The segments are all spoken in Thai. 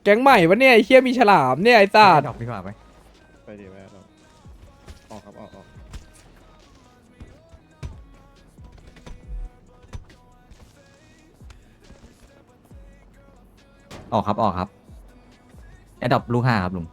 แก๊งใหม่วะเนี่ยไอ้เหี้ยมีฉลามเนี่ยไอ้สัตว์ดอกดีกว่าไหมไปดีแม่เราออกครับออกออกครับออกครับแอดดอปลูก5ครับลุง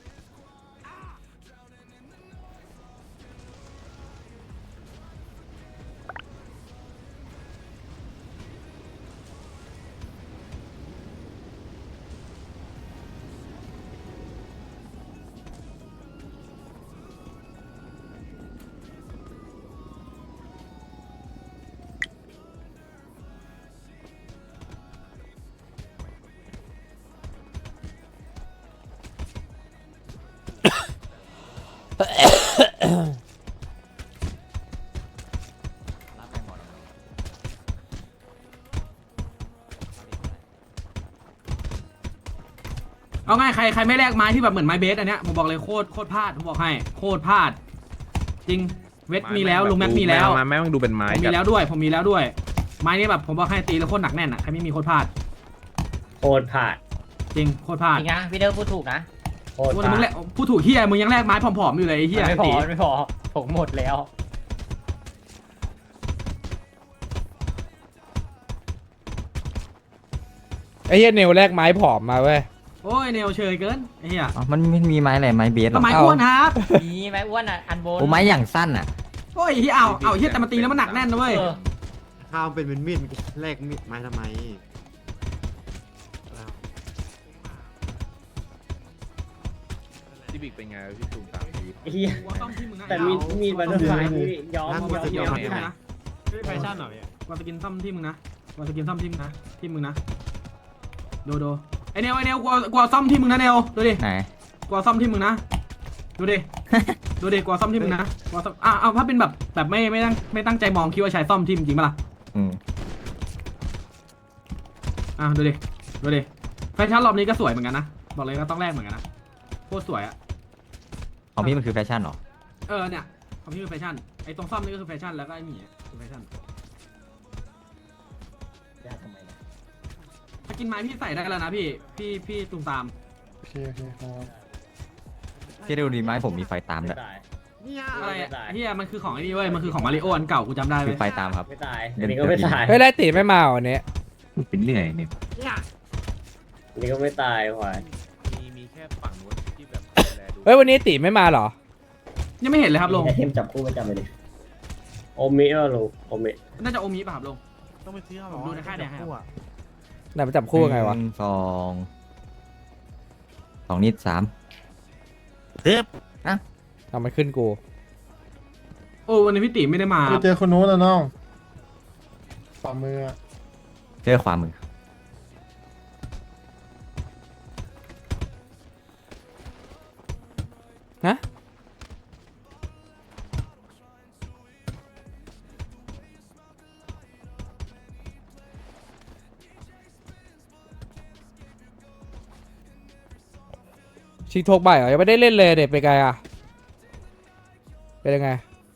รับไปหมดเอาง่ายใครไม่แลกไม้ที่แบบเหมือนไม้เบสอันเนี้ยผมบอกเลยโคตรพลาดผมบอกให้โคตรพลาดจริงเวทมีแล้วลุงแม็กมีแล้วไม้ต้องดูเป็นไม้ผมมีแล้วด้วยผมมีแล้วด้วย ไม้นี้แบบผมบอกให้ตีแล้วโคตรหนักแน่นอ่ะใครไม่มีโคตรพลาดโคตรพลาดจริงโคตรพลาดจริงนะพี่เดิร์พูดถูกนะโคตรโอ้พแต่มึงลาแลดกพูดถูกเฮียมึงยังแลกไม้ผอมๆอยู่เลยไอ้เฮียไม่พอตีไม่พอผมหมดแล้วไอ้เหี้ยเนวแลกไม้ผอมมาเว้ยโอ้ยเนวเชยเกินไอ้เฮียอ๋อมันไม่มีไม้อะไรไม้เบสหรอทำไมอ้วนครับมีไหมอ้วนอ่ะอันบนโอ้ไม้อย่างสั้นอ่ะโอ้ยเฮียเอาเฮียแต่มาตีแล้วมันหนักแน่นนะเว้ยเออข้าวเป็นมีดแลกมีดไม้ทำไมที่บิ๊กเป็นไงพี่ตูมตามพี่เฮียกูต้องที่มึงนะแต่มีบัตเตอร์ไฟนี่ยอมกูจะกินยอมซ่อมที่มึงนะแฟชั่นเหรอพี่กูจะกินซ่อมที่มึงนะกูจะกินซ่อมที่มึงนะที่มึงนะดูไอเนวกูซ่อมที่มึงนะเนวดูดิไหนกูซ่อมที่มึงนะดูดิ ดูดิกูซ่อมที่มึงนะกูซ่อมเอาถ้าเป็นแบบไม่ตั้งใจมองคิดว่าใช้ซ่อมที่มึงจริงปะล่ะอืมดูดิแฟชั่นรอบนี้ก็สวยเหมือนกันนะบอกเลยก็ต้องแลกเหมือนกันนะโคตรสวยอะของพี่มันคือแฟชั่นเหรอเนี่ยของพี่คือแฟชั่นไอตรงซ่อมนี่ก็คือแฟชั่นแล้วก็ไอหมีคือแฟชั่นถ้ากินไม้พี่ใส่ได้แล้วนะพี่ตุ่มตามโอเคครับพี่ดูดีไม้ผมมีไฟตามไม่ด้วยตายเนี่ยอะไรอะเฮียมันคือของไอ้นี่เว้ยมันคือของมาริโออันเก่ากูจำได้คืเว้อย ไฟตามครับไม่ตายอันนี้ก็ไม่ตายเฮ้ยไล่ตีไม่มาวันนี้เป็นเรื่อยเนี่ยอันนี้ก็ไม่ตายควายมีแค่ฝั่งนู้นที่แบบแลดูเฮ้ยวันนี้ตีไม่มาเหรอยังไม่เห็นเลยครับลุงไอเทมจับคู่ประจำเลยดิโอมิเออลูกโอมิน่าจะโอมิป่ะครับลุงต้องไปซื้อผมดูในค่ายแดงให้ครับไหนมาจับคู่ยังไงวะ 1 2นิด3 ทำมันขึ้นกูโอ้วันนี้พี่ติ๋มไม่ได้มาไปเจอคนโน้นนะน้องฝ่ามือเจอขวามือฮะชิงโทกบ่ายเหรอยังไม่ได้เล่นเลยเด็กเป็นไงอะเป็นยังไง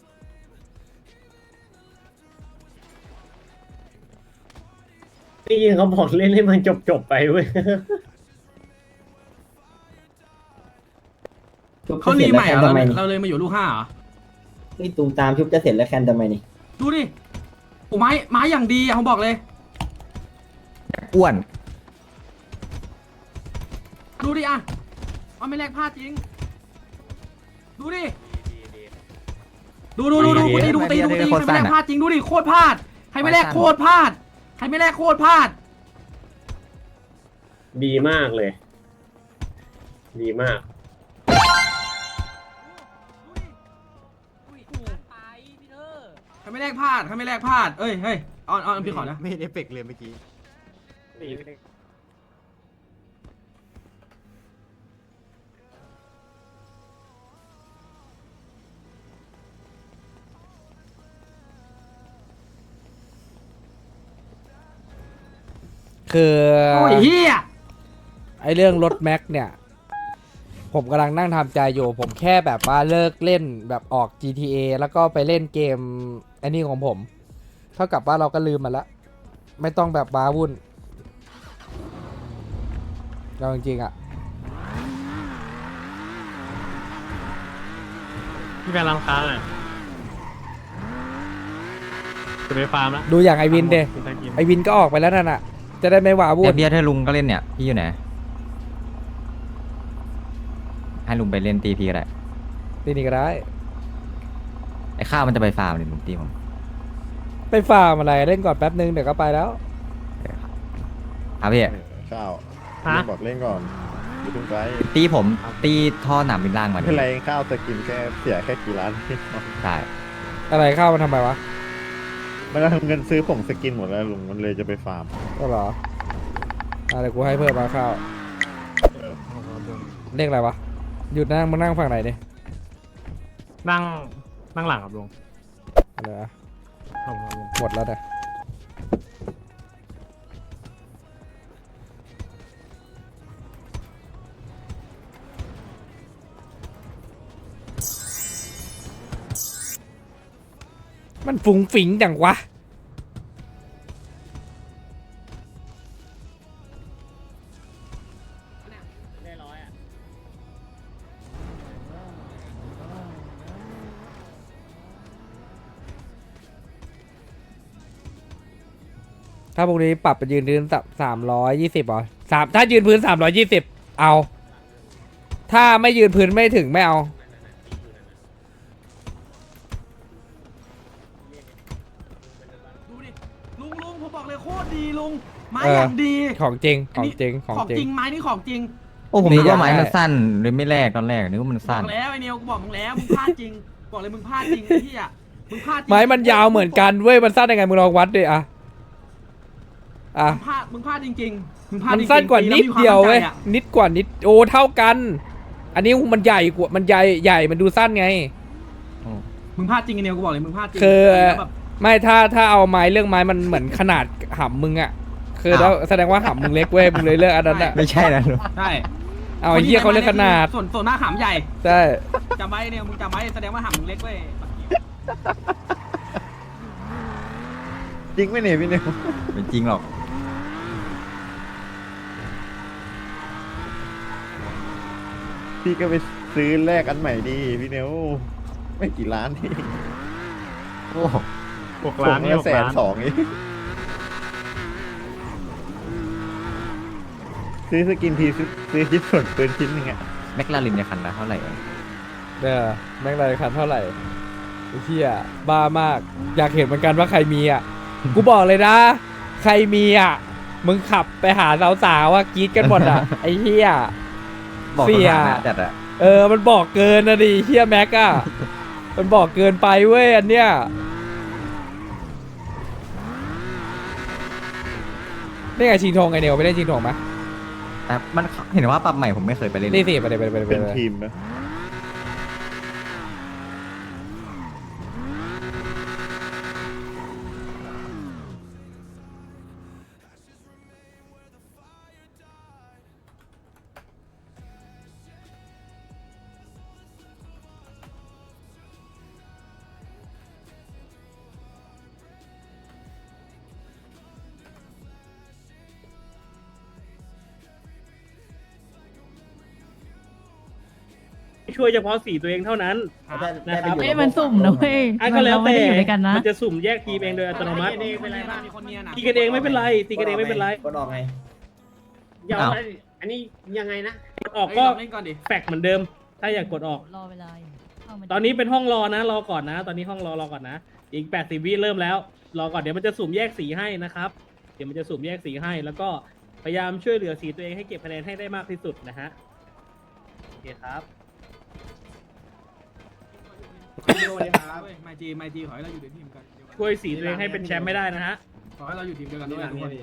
นี่ยิงเขาบอกเล่นให้มันจบไปเว้ยเขารีใหม่เหรอเราเลยมาอยู่ลูก5เหรอนี่ตูมตามชุบจะเสร็จแล้วแคนทำไมนี่ดูดิโอ้ไม้อย่างดีอะผมบอกเลยอ้วนดูดิอะมันไม่แลกพลาดจริงดูดิดูตีใครไม่แลกพลาดจริงดูดิโคตรพลาดใครไม่แลกโคตรพลาดใครไม่แลกโคตรพลาดดีมากเลย ดีมากใครไม่แลกพลาดเอ้ยเฮ้ยออนพี่ขอนะไม่เอฟเฟกต์เลยเมื่อกี้คือโอ้ยเฮียไอเรื่องรถแม็กเนี่ย ผมกำลังนั่งทำใจอยู่ ผมแค่แบบว่าเลิกเล่นแบบออก GTA แล้วก็ไปเล่นเกมอันนี้ของผม เท่ากับว่าเราก็ลืมมันละไม่ต้องแบบว้าวุ่นเราจริงๆอ่ะพี่แฟนรำคาญอ่ะจะไปฟาร์มแล้วดูอย่างไอวินเดไอวินก็ออกไปแล้วนั่นอ่ะ จะได้ไม่หวาวุ่เนี่ยนเบียร์ถ้าลุงก็เล่นเนี่ยพี่อยู่ไหนให้ลุงไปเล่นตีพีก็ได้ตีนี่ก็ได้ไอ้ข้าวมันจะไปฟาร์มเนี่ยลุงตีผมไปฟาร์มอะไรเล่นก่อนแป๊บนึงเดี๋ยวก็ไปแล้วครับพี่ข้าวฮะบอกเล่นก่อนอย่าเพิ่งไปตีผมตีท่อหนามบินล่างมาไม่เป็นไรข้าวสกินแค่เสียแค่กี่ล้านใช่อะไรเข้ามันทำไมวะมันก็ทำเงินซื้อผงสกินหมดแล้วลุงมันเลยจะไปฟาร์มก็เหรออะไรกูให้เพิ่มมาข้าวเลขอะไรวะหยุดนั่งมานั่งฝั่งไหนดินั่งหลังครับลุงอะไรวะครับลุงหมดแล้วเนี่ยมันฟุ้งฟิ๋งจังวะได้ร้อยอ่ะถ้าพวกนี้ปรับไปยืนพื้น320เหรอถ้ายืนพื้น320เอา ถ้าไม่ยืนพื้นไม่ถึงไม่เอาดูดิลุงผมบอกเลยโคตรดีลุงไม้เออออย่างดีของจริงขอันองนี้จริงของของจริจริงงไม้นี่ของจริงโอ้ผมนี่นึกว่าไม้อยากมันได้สั้นเลยไม่แรกตอนแรกนึกว่ามันบอสั้นกแล้วไอเนียวกูบอกมึงแล้วมึงพลาดจริงบอกเลยมึงพลาดจริงไอ้ที่อ่ะมึงพลาดจริงไม้มันยาวเหมือนกันเว้ยมันสั้นยังไงมึงลองวัดดิอะมึงพลาดจริงๆมึงพลาดมันจริงๆสั้นกว่านิดเดียวเว้ยแล้มีคามมั่นใจอะนิดกว่านิดโอ้เท่ากัน อันนี้มันใหญ่กว่ามันใหญ่มันดูสั้นไงมึงพลาดจริงไอเนียวกูบอกเลยมึงพลาดจริงคือแล้วแบบไม่ถ้าเอาไม้เรื่องไม้มันเหมือนขนาดหำมึงอะคือแล้วแสดงว่าหำมึงเล็กเว้ยมึงเลยเลือกอันนั้นอะไม่ใช่นะลุงใช่เอาไอ้เหี้ยเขาเลือกขนาดส่วนหน้าขามใหญ่ใช่จำไว้เนี่ยมึงจำไว้แสดงว่าหำมึงเล็กเว้ยจริงไหมเนี่ยพี่นิวไม่จริงหรอกพี่ก็ไปซื้อแลกอันใหม่ดีพี่นิวไม่กี่ล้านที่โอ้ 6 ล้านนี่ผม 6 ล้าน 120,000เองซื้อสกินทีซื้อชิ้นส่วนปืนชิ้นหนึงอะแม็กลาลินในคันละเท่าไหร่เองแม่งรายคันเท่าไหร่ไอ้เหี้ยบ้ามาก อยากเห็นเหมือนกันว่าใครมีอ่ะ กูบอกเลยนะ ใครมีอ่ะ มึงขับไปหาสาวๆว่ากรีดกันหมดอ่ะ ไอ้เหี้ยบอกเสีสยถานะจัดอะมันบอกเกินนะดิเหี้ยแม็กอ่ะ มันบอกเกินไปเว้ยอันเนี้ยนี่ไงชิงทงไงเนียวไปเล่นชิงทงไหมแต่มันเห็นว่าปรับใหม่ผมไม่เคยไปเล่นนี่สิไปเลยเป็นทีมนะช่วยเฉพาะสีตัวเองเท่านั้น นะครับได้ไปอยู่เอ้ยมันสุ่มนะเว้ยก็แล้วเราไม่แต่ได้อยู่ด้วยกันนะมันจะสุ่มแยกทีมเองโดยอัตโนมัติมีคนเนียนมีคนเนียนอะตีกันเองไม่เป็นไรตีกันเองไม่เป็นไรกดออกไงอย่าอันนี้ยังไงนะกดออกก็ก็เล่นก่อนดิแฟกเหมือนเดิม ถ้าอยากกดออกรอเวลาอยู่เข้ามาตอนนี้เป็นห้องรอนะรอก่อนนะ ตอนนี้ห้องรอก่อนนะ อีก80 วิเริ่มแล้ว รอก่อนเดี๋ยวมันจะสุ่มแยกสีให้นะครับ เดี๋ยวมันจะสุ่มแยกสีให้ แล้วก็พยายามช่วยเหลือสีตัวเองให้เก็บคะแนนให้ได้มากที่สุดนะฮะโอเคครับไม่จีขอให้เราอยู่ในทีมกันเดียวกันช่วยสีตัวเองให้เป็นแชมป์ไม่ได้นะฮะขอให้เราอยู่ทีมเดียวกันด้วยทุกคน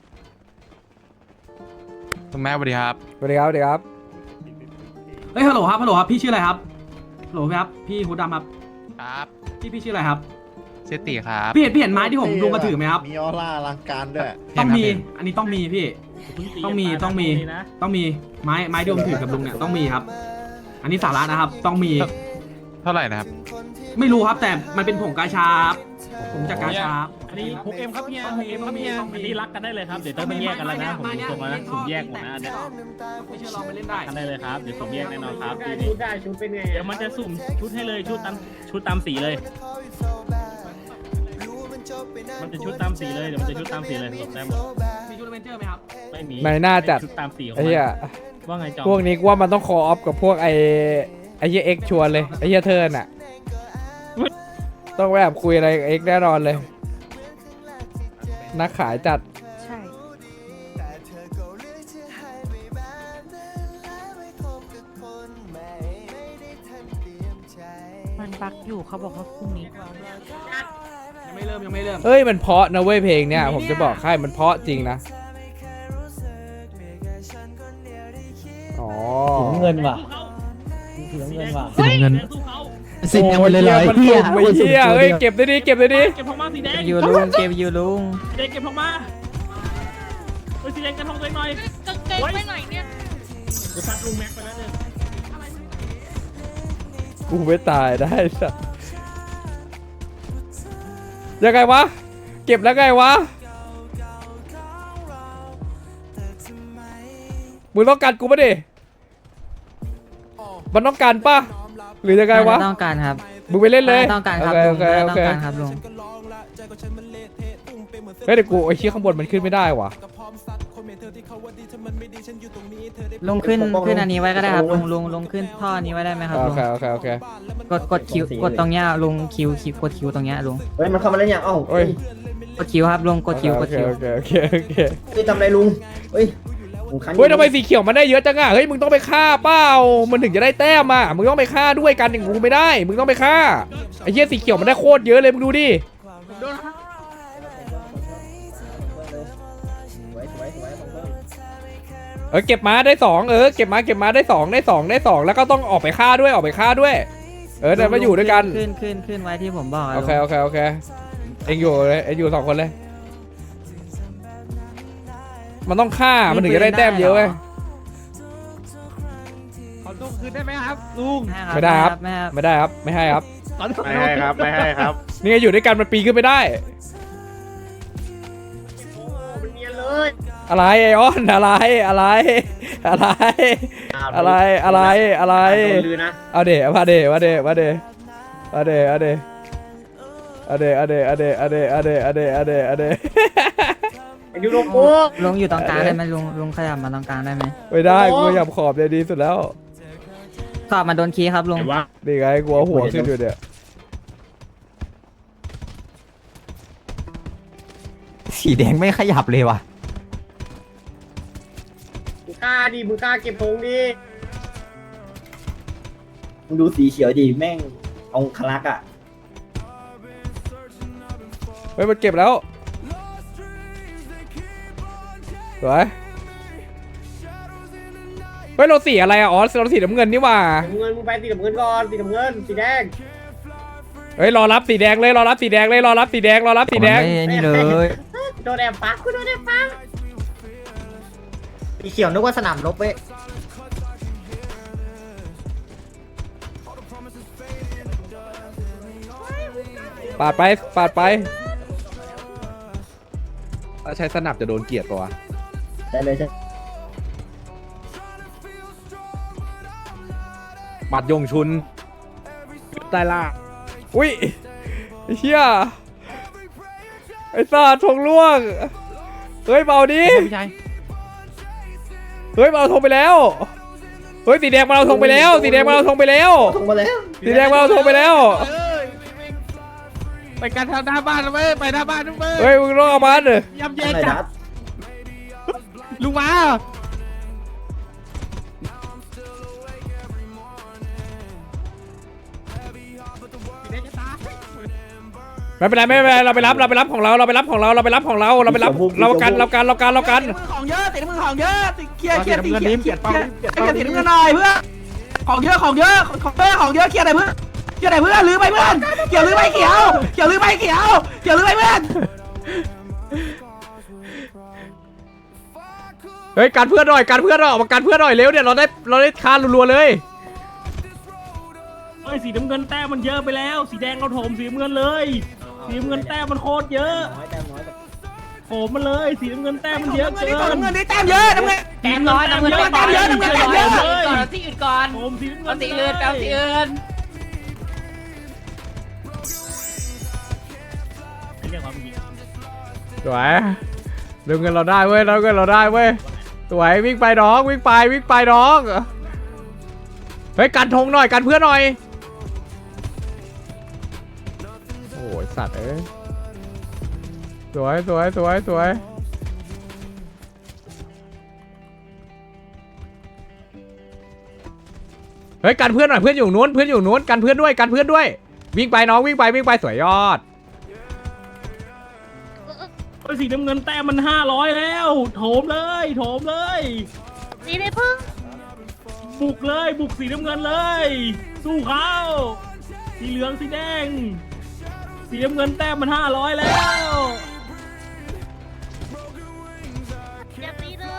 คุณแม่สวัสดีครับสวัสดีครับสวัสดีครับเฮ้ยฮัลโหลครับพี่ชื่ออะไรครับฮัลโหลครับพี่ฮูดดำครับครับพี่ชื่ออะไรครับเซติครับพี่เห็นไม้ที่ผมลุงกระถือไหมครับมีออร่าอลังการด้วยต้องมีเห็นอันนี้ต้องมีพี่ ต้องมีนะต้องมีไม้ที่ผมถือกับลุงเนี่ยต้องมีครับ อันนี้สาระนะครับ ต้องมีเท่าไหร่นะครับไม่รู้ครับแต่มันเป็นผงกาชาครับผมจากกาชาอันนี้พกเอ็มครับเฮียพกเอ็มครับเฮียอันนี้รักกันได้เลยครับเดี๋ยวต้องไปแยกกันแล้วนะผมดูตรงแล้วนะสุ่มแยกหมดนะอันเนี้ยไม่เชื่อลองไปเล่นได้กันได้เลยครับเดี๋ยวสุ่มแยกแน่นอนครับได้ชุดได้ชุดเป็นไงเดี๋ยวมันจะสุ่มชุดให้เลยชุดตามสีเลย มันจะชุดตามสีเลยเดี๋ยวมันจะชุดตามสีเลยสมได้หมดมีชุดอเวนเจอร์ไหมครับไม่มีไม่น่าจัดชุดตามสีของไอ้มันเหี้ยว่าไงจอมพวกนี้กูว่ามันต้องคอออฟกับพวกไอ้เหี้ยเอ็กชวนเลยไอ้เหี้ยเทิร์นอ่ะต้องแบบคุยอะไรกับเอ็กแน่นอนเลยนักขายจัดใช่ มันบักอยู่เขาบอกว่าพรุ่งนี้ยังไม่เริ่มเอ้ยมันเพราะนะเว้ยเพลงเนี้ยผมจะบอกให้มันเพราะจริงนะอ๋อเงินว่ะสีน้ำเงินว่ะสีน้ำเงินสู้เขาสิเนี่ยมันเลยเลยมันสุ่มไอ้เหี้ยเฮ้ยเก็บได้ดิเก็บได้ดิเก็บทองมาสีแดงอยู่ลุงเก็บอยู่ลุงสีแดงเก็บทองมาเฮ้ยสีแดงกันทองตัวเองหน่อยกางเกงไปไหนเนี่ยเดี๋ยวซัดลุงแม็กไปแล้วเนี่ยกูไม่ตายได้สัสยังไงวะเก็บแล้วไงวะมึงต้องการกูปะดิมันต้องการปะหรือยังไงวะไม่ต้องการครับมึงไปเล่นเลยไม่ต้องการครับโอลุงเคไม่โอต้องเคการครับลุงเฮ้ยเดี๋ยวกูไอ้เชี่ยข้างบนมันขึ้นไม่ได้วะลุงขึ้นอันนี้ไว้ก็ได้ครับลุงขึ้นท่อนี้ไว้ได้ไหมครับโอลุงเคโอเคโอเคกดคิวกดตรงเนี้ยลุงคิวกดคิวตรงเนี้ยลุงเฮ้ยมันเข้ามาแล้วยังเอ้าเฮ้ยกดคิวครับลุงกดคิวโอกดเคคิวโอเคโอเคโอเคเฮ้ยทำอะไรลุงเฮ้ยผมคันเฮ้ยทำไมสีเขียวมันได้เยอะจังอะเฮ้ยมึงต้องไปฆ่าเปล่ามันถึงจะได้แต้มอะมึงต้องไปฆ่าด้วยกันอย่างกูไม่ได้มึงต้องไปฆ่าไอ้เหี้ยสีเขียวมันได้โคตรเยอะเลยมึงดูดิสวยผมเพิ่มเก็บมาได้สองเก็บมาได้สองแล้วก็ต้องออกไปฆ่าด้วยเดี๋ยวมาอยู่ด้วยกันขึ้นไว้ที่ผมบอกะโอเคลุงโอเคโอเคเอ็งอยู่เลยเอ็งอยู่สองคนเลยมันต้องฆ่ามันถึงจะได้แต้มเยอะเว้ยขอตัวคืนได้ไหมครับลุงไม่ได้ครับไม่ครับไม่ได้ครับไม่ให้ครับไม่ให้ครับไม่ให้ครับนี่ไงอยู่ด้วยกันมันปีนขึ้นไม่ได้เป็นเนียนเลยอะไรไอออนอะไรอะไรอะไรอะไรอะไรอะไรโดนลือนะเอาเดมาเดมาเดมาเดมาเดเอาเดเอาเดเอาเดเอาเดเอาเดเอาเดเอาเดเอาเดเอาเดไอ้ยูโรโก้ลุงอยู่ตรงกลางได้ไหมลุงขยับมาตรงกลางได้ไหมไม่ได้กูอยากขอบเลยดีสุดแล้วขอบมาโดนคีย์ครับลุงไอ้วะนี่ไงกูเอาหัวขึ้นอยู่เนี่ยสีแดงไม่ขยับเลยว่ะมึงกล้าดิมึงกล้าเก็บธงดิมึงดูสีเขียวดิแม่งองคลักษ์อ่ะเฮ้ยมันเก็บแล้วสวยเฮ้ยเราสีอะไรอะอ๋อเราสีน้ำเงินนี่หว่าสีน้ำเงินมึงไปสีน้ำเงินก่อนสีน้ำเงินสีแดงเฮ้ยรอรับสีแดงเลยรอรับสีแดงเลยรอรับสีแดงรอรับสีแดงไม่นี่เลยโดนแอบปักกูโดนแอบปักสีเขียวนึกว่าสนามรบเว้ยปาดไปปาดไปถ้าใช้สนับจะโดนเกลียดปะวะได้เลยใช่บัดยงชุนใต้ล่าอุ้ยไอ้เชี่ยไอ้สัตว์ทงล่วงเฮ้ยเบาดิเฮ้ยเบาทงไปแล้วเฮ้ยสีแดงมาเอาทงไปแล้วสีแดงมาเอาทงไปแล้วทงมาแล้วสีแดงมาเอาทงไปแล้วไปกันทางหน้าบ้านนะเว้ยไปหน้าบ้านนะเว้ยเฮ้ยมึงต้องเอามันเลยยำแย่อะไรจัดัดดลุงมาไม่เป็นไรไม่เป็นไรเราไปรับของเราเราไปรับของเราเรากันของเยอะตีมือของเยอะเคลียร์สีน้ำเงินเคลียร์สีน้ำเงินหน่อยเพื่อของเยอะของเยอะเคลียร์ไหนเพื่อลืมไปเพื่อนเกี่ยวลืมไปเขียวลืมไปเพื่อนเฮ้ยการเพื่อนหน่อยออกมาการเพื่อนหน่อยเร็วเนี่ยเราได้คานรัวๆเลยเฮ้ยสีน้ำเงินแต้มมันเยอะไปแล้ว สีแดงเราโถมสีน้ำเงินเลยเสีน้ำเงินแต้มมันโคตรเยอะน้อยแต่น้อยแบบโผล่มาเลยสีน้ำเงินแต้มมันเยอะเกินน้ำเงินได้แต้มเยอะน้ำเงินแต้มน้อยน้ำเงินแต้มเยอะน้ำเงินแต้มเยอะก่อนเอาสีอื่นก่อนโผล่สีน้ำเงิเอานสีอื่นเอาสีอื่นเรียกว่าเมื่อกี้สวยดึงเงินเราได้เว้ยดึงเงินเราได้เว้ยสวยวิ่งไปน้องวิ่งไปน้องเฮ้ยกันธงหน่อยกันเพื่อนหน่อยโอ้ยสัตว์เอ้ยสวยเฮ้ยกันเพื่อนหน่อยเพื่อนอยู่นู้นกันเพื่อนด้วยวิ่งไปน้องวิ่งไปสวยยอดโอ้ยสีน้ำเงินแต้มมัน500แล้วโถมเลยสีได้พึ่งบุกเลยบุกสีน้ำเงินเลย สู้เขาสีเหลืองสีแดงสีน้ำเงินแต้มมัน500แล้วอย่าตีเลย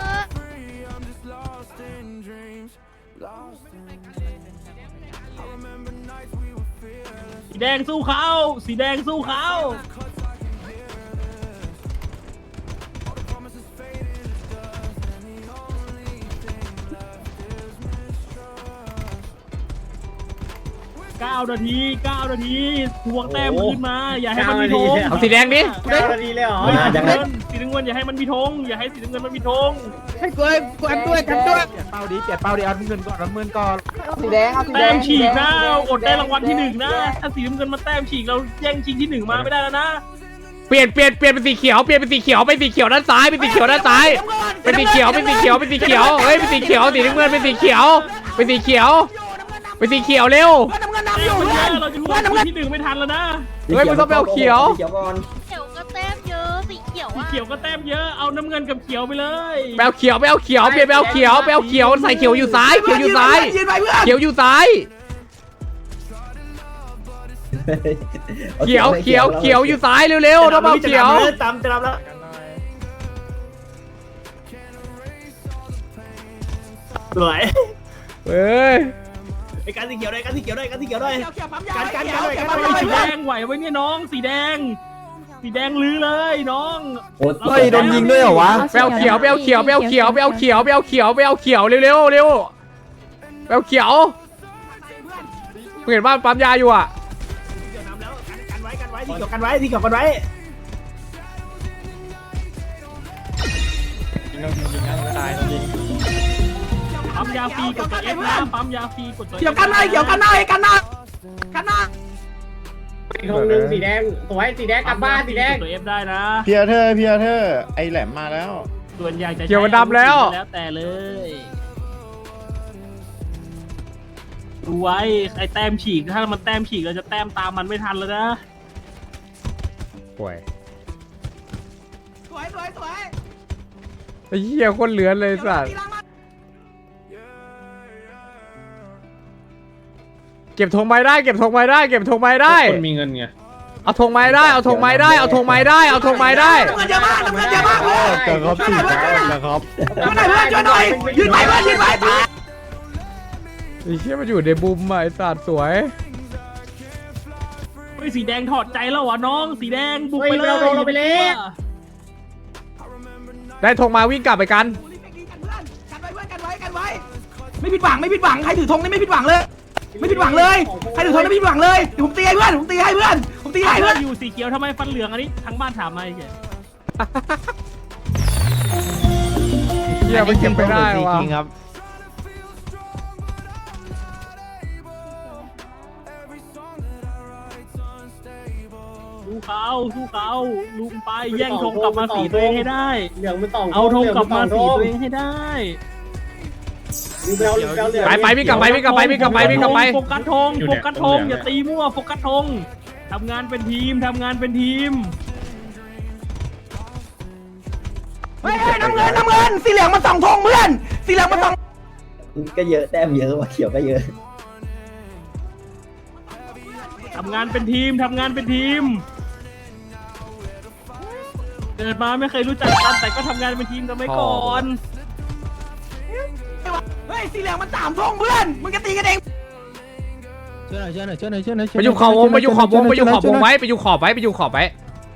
สีแดงสู้เขาสีแดงสู้เขา9 นาทีทวงแต้มขึ้นมาอย่าให้มันมีธงเอาสีแดงดิ 9 นาทีเลยเหรอเฮ้ยสีน้ำเงินอย่าให้มันมีธงอย่าให้สีน้ำเงินมันมีธงให้กวยกันด้วยกันด้วยเปลี่ยนเป้าดิเอาเงินก่อนสีแดงเอาสีแดแต้งมฉีกนะอดได้รางวัลที่1นะถ้าสีน้ำเงินมาแต้มฉีกเราแย่งชิงที่1มาไม่ได้แล้วนะเปลี่ยนเป็นสีเขียวไปสีเขียวด้านซ้ายเป็นสีเขียวเฮ้ยเป็นสีเขียวสีน้ำเงินเป็นสีเขียวเร็วน้ำเงินแต้นำอยู่มมันเยเพื่ออะนเราจะทวงน้ำเงินที่1ไม่ทันแล้วนะเฮ้ยมึงต้องไปเอาเขียวเขียวก่อนเขียวก็แต้มเยอะสีเขียวสีอ่ะเขียวก็แต้มเยอะเอาน้ำเงินกับเขียวไปเลยไปเอาเขียวเปลี่ยนไปเอาเขียวใส่เขียวอยู่ซ้ายยืนไปเพื่อนเขียวอยู่ซ้ายเขียวอยู่ซ้ายเร็วๆต้องเอาเขียวตามจะรับแล้วสวยเอ้ยไอ้การสีเขียวได้การสีเขียวได้เขียวปั๊มยาการเขียวสีแดงไหวไว้เนี่ยน้องสีแดงลื้อเลยน้องเฮ้ยโดนยิงด้วยเหรอวะไปเอาเขียวเร็วๆไปเอาเขียวไปเอาเขียวไปเอาเขียวเห็นว่าปั๊มยาอยู่อ่ะกันไว้ที่เกี่ยวกันไว้ปั๊มยาฟรีกดตัว F นะปั๊มยาฟรีกดตัว F เขียวกันหน่อยกันหน้าอีกธงหนึ่งสีแดงสวยสีแดงกลับบ้านสีแดงกดตัว F ได้นะเพียเธอไอแหลมมาแล้วส่วนใหญ่จะเขียวมันดำแล้วแล้วแต่เลยดูไว้ไอ้แต้มฉีกถ้ามันแต้มฉีกเราจะแต้มตามมันไม่ทันแล้วนะป่วยสวยไอ้เหี้ยคนเหลือเลยสัตว์เก็บธงไม้ได้คนมีเงินไงเอาธงไม้ได้เอาธงไม้ได้น้ำเงินเยอะมากเพื่อนแต่ครับสี่นะครับช่วยหน่อยยืนไปตายไอ้เหี้ยมันอยู่ในบุมอ่ะไอ้สัตว์สวยเฮ้ยสีแดงถอดใจแล้ววะน้องสีแดงบุกไปเลยเราไปเลยได้ธงมาวิ่งกลับไปกันกันไว้ไม่ผิดหวังใครถือธงนี่ไม่ผิดหวังเลยใครถือธงนี่ไม่ผิดหวังเลยเดี๋ยวผมตีให้เพื่อนอยู่สีเขียวทำไมฟันเหลืองอันนี้ทั้งบ้านถามมาไอ้เหี้ยเหี้ยมันเก็บไม่ได้ว่ะจริงครับสู้เขาลุงไปแย่งธงกลับมาสีตัวเองให้ได้เหลืองมันต่องเอาธงกลับมาสีตัวเองให้ได้ไปวิ่งกลับไปโฟกัสธงอย่าตีมั่วโฟกัสธงทำงานเป็นทีมเฮ้ยน้ำเงินสีเหลืองมันส่องธงเพื่อนสีเหลืองมันส่องก็เยอะแต้มเยอะว่ะเขียวก็เยอะทำงานเป็นทีม เกิดมาไม่เคยรู้จักกันแต่ก็ทำงานเป็นทีมกันไว้ก่อนเฮ้ยสีเหลืองมัน3ธงเพื่อนมึงจะตีกันเองช่วยหน่อยช่วยหน่อยช่วยหน่อยช่วยหน่อยไปอยู่ขอบวงไปอยู่ขอบวงไปอยู่ขอบวงไว้ไปอยู่ขอบไว้ไปอยู่ขอบไว้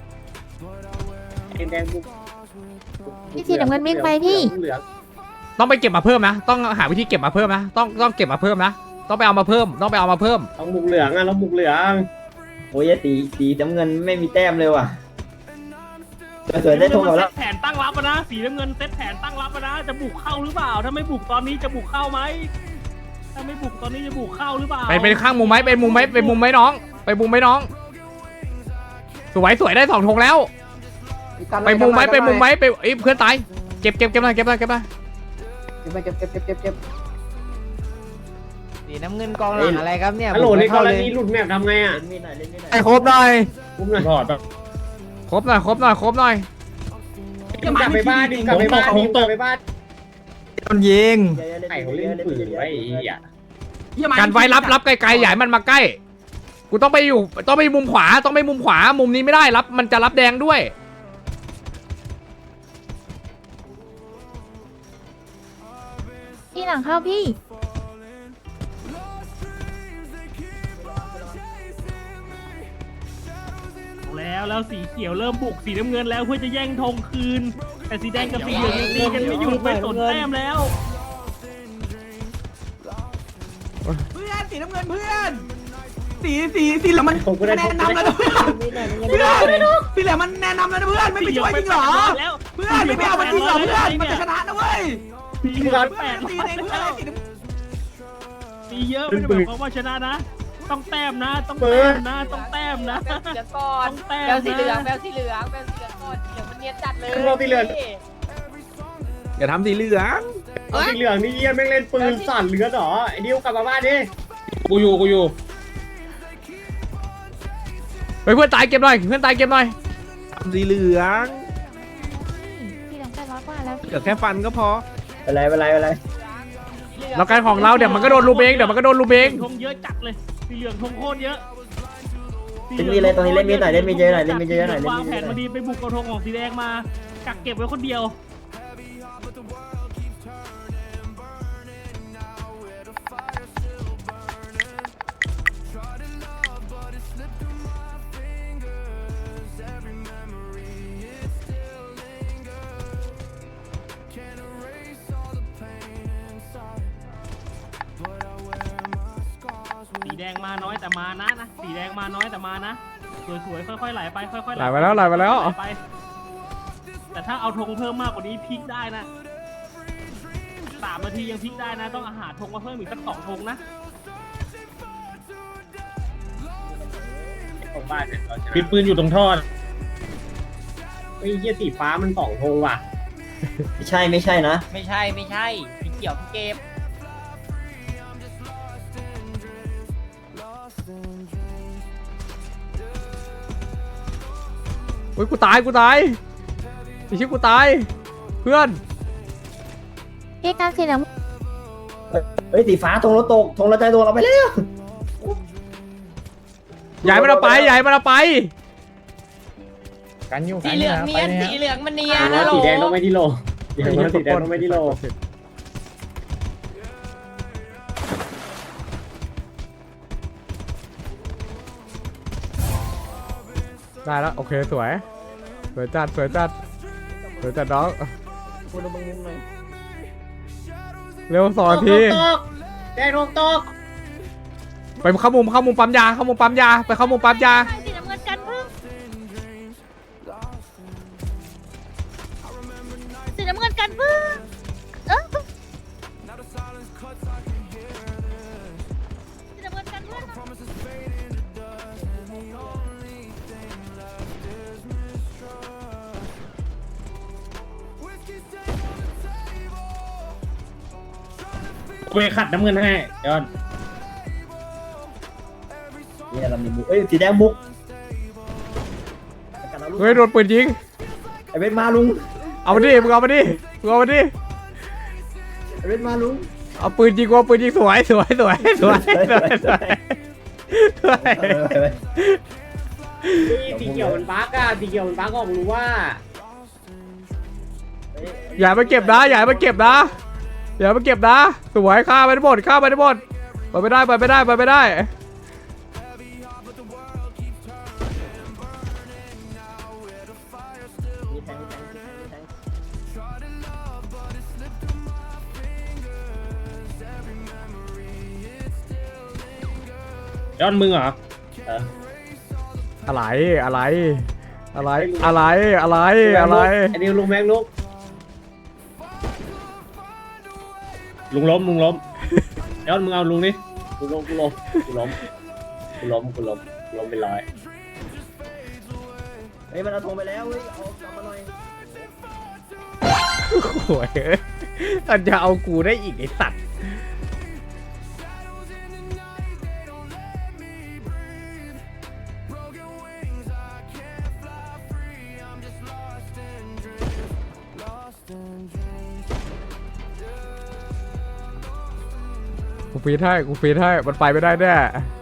แดงบุกพี่สีน้ำเงินวิ่งไปพี่เหลืองต้องไปเก็บมาเพิ่มนะต้องหาวิธีเก็บมาเพิ่มนะต้องเก็บมาเพิ่มนะต้องไปเอามาเพิ่มต้องไปเอามาเพิ่มต้องบุกเหลืองอ่ะต้องบุกเหลืองโอ้ยตีน้ำเงินไม่มีแต้มเลยว่ะสวยได้ทงเราแล้วแผนตั้งรับนะสีน้ำเงินเซตแผนตั้งรับนะจะบุกเข้าหรือเปล่าถ้าไม่บุกตอนนี้จะบุกเข้าไหมถ้าไม่บุกตอนนี้จะบุกเข้าหรือเปล่าไปข้างมุมไหมไปมุมไหมไปมุมไหมน้องไปมุมไหมน้องสวยได้2ธงแล้วไปมุมไหมไปมุมไหมไปเพื่อนตายเก็บหน่อยเก็บหน่อยสีน้ำเงินกองหลังอะไรครับเนี่ยฮัลโหลในกเข้าร เลยณีหลุดแมปทำไงอ่ะเล่นมีดหน่อยเล่นมีดหน่อยไอ้ครบหน่อยอุ้มหน่อยครบหน่อยกลับไปบ้านดิกลับไปบ้านดิกลับไปบ้านโดนยิงไข่เขาเล่นปืนไว้ไอ้เหี้ยการไว้รับไกลๆใหญ่มันมาใกล้กูต้องไปมุมขวามุมนี้ไม่ได้รับมันจะรับแดงด้วยพี่หลังเข้าพี่แล้วสีเขียวเริ่มบุกสีน้ำเงินแล้วเพื่อจะแย่งธงคืน แต่สีแดงกับสีเหลืองยังตีกันไม่หยุดไม่สนแต้มแล้วเพื่อนสีน้ำเงินเพื่อนสีเหลืองมันแนะนำแล้วนะเพื่อนสีเหลืองมันแนะนำแล้วนะเพื่อนไม่ไปช่วยจริงเหรอเพื่อนไม่เอามันจริงเหรอเพื่อนมันจะชนะนะเว้ยสีเหลืองแปดสีเองเพื่อนสีน้ำตีเยอะไม่ได้หมายความว่าชนะนะ ต้องแต้มนะต้องแต้มนะต้องแต้มนะแบลสีเหลืองก่อนต้องแต้มแบลสีเหลืองนะแบลสีเหลืองแบลสีเหลืองก่อนสีเหลืองมันเนียนจัดเลยเราสีเหลืองอย่าทำสีเหลืองเอาสีเหลืองนี่เยี่ยแม่งเล่นปืนสั่นเลือดหรอไอ้ดิวกลับมาบ้านดิกูอยู่ไปเพื่อนตายเก็บหน่อยทำสีเหลืองพี่หลัง800 กว่าแล้วพี่เหลือแค่ฟันก็พออะไรเราการของเราเดี๋ยวมันก็โดนลูเบงธงเยอะจัดเลยสีเหลืองธงโคตรเยอะเล่นมีอะไรตรงนี้เล่นมีหน่อยเล่นมีเยอะหน่อยเล่นมีเยอะหน่อยเล่นวางมีแผเยนอะหน่มาอยดีไปบุกเอาธงของสีแดงมากักเก็บไว้คนเดียว สีแดงมาน้อยแต่มานะสีแดงมาน้อยแต่มานะสวยๆค่อยๆไหลไปค่อยๆไหลไปแล้วไปแต่ถ้าเอาธงเพิ่มมากกว่านี้พลิกได้นะ3 นาทียังพลิกได้นะต้องหาธงมาเพิ่มอีกสัก2 ธงนะของบ้านเนี่ยเราชนะปิดปืนอยู่ตรงท่อไอ้เหี้ยสีฟ้ามัน2 ธงว่ะไม่ใช่นะไม่ใช่สีเขียวเก็บอุ้ยกูตายไอ้ชิบกูตายเพื่อนพี่การสีเหลืองเฮ้ยสีฟ้าธงเราตกธงเราใจโดนเราไปแล้วใหญ่มันเอาไปกันอยู่สีเหลืองเนียนสีเหลืองมันเนียนแล้นะวโหลสีแดงต้องไม่ที่โลอย่างนั้นสีแดงต้องไม่ที่โลได้แล้วโอเคสวยจัดน้องเร็ว2 นาทีแดงลงตกไปเข้ามุมปั๊มยาไปเข้ามุมปั๊มยาสีน้ำเงินกันพึ่งสีน้ำเงินกันพึ่งสีน้ำเงินกันพึ่งกูไปขัดน้ำเงินให้ยอดเนี่ยเรามีบุกเอ้ยสีแดงบุกเฮ้ยโดนปืนยิงไอเวทมาลุงเอามาดิมึงเอามาดิไอเวทมาลุงเอาปืนยิงสวยสีเขียวมันบั๊กอ่ะสีเขียวมันบั๊กออกรู้ว่าอย่ามาเก็บนะสวยฆ่าไปได้หมดไปไม่ได้ย้อนมึงเหรออะไรอะไรอะไรอะไรอะไรอะไรอันนี้ลุงแม็กลุกลุงล้มย้อนมึงเอาลุงนี่กูล้มเป็นร้อยเฮ้ยมันเอาธงไปแล้วเฮ้ยเอากลับมาหน่อยโอ้ยมันจะเอากูได้อีกไอสัตว์ กูฟีดให้มันไปไม่ได้แน่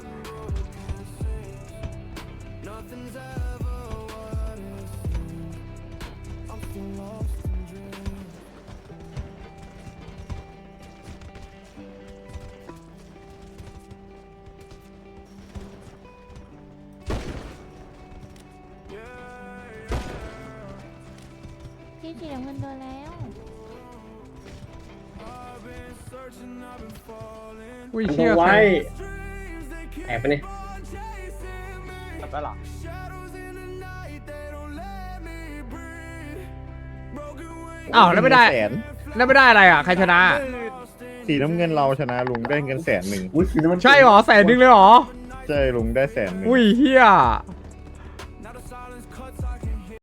พี่สีน้ำเงินโดนแล้วอุ้ยอันเชี่ยไว้แอบไปเนี่ยอ้าวแล้วไม่ได้แสนแล้วไม่ได้อะไรอ่ะ ใครชนะสีน้ำเงินเราชนะลุงได้เงิน100,000 อุ้ยสีน้ำมันใช่หรอ100,000เลยเหรอใช่ลุงได้100,000 อุ้ยเฮีย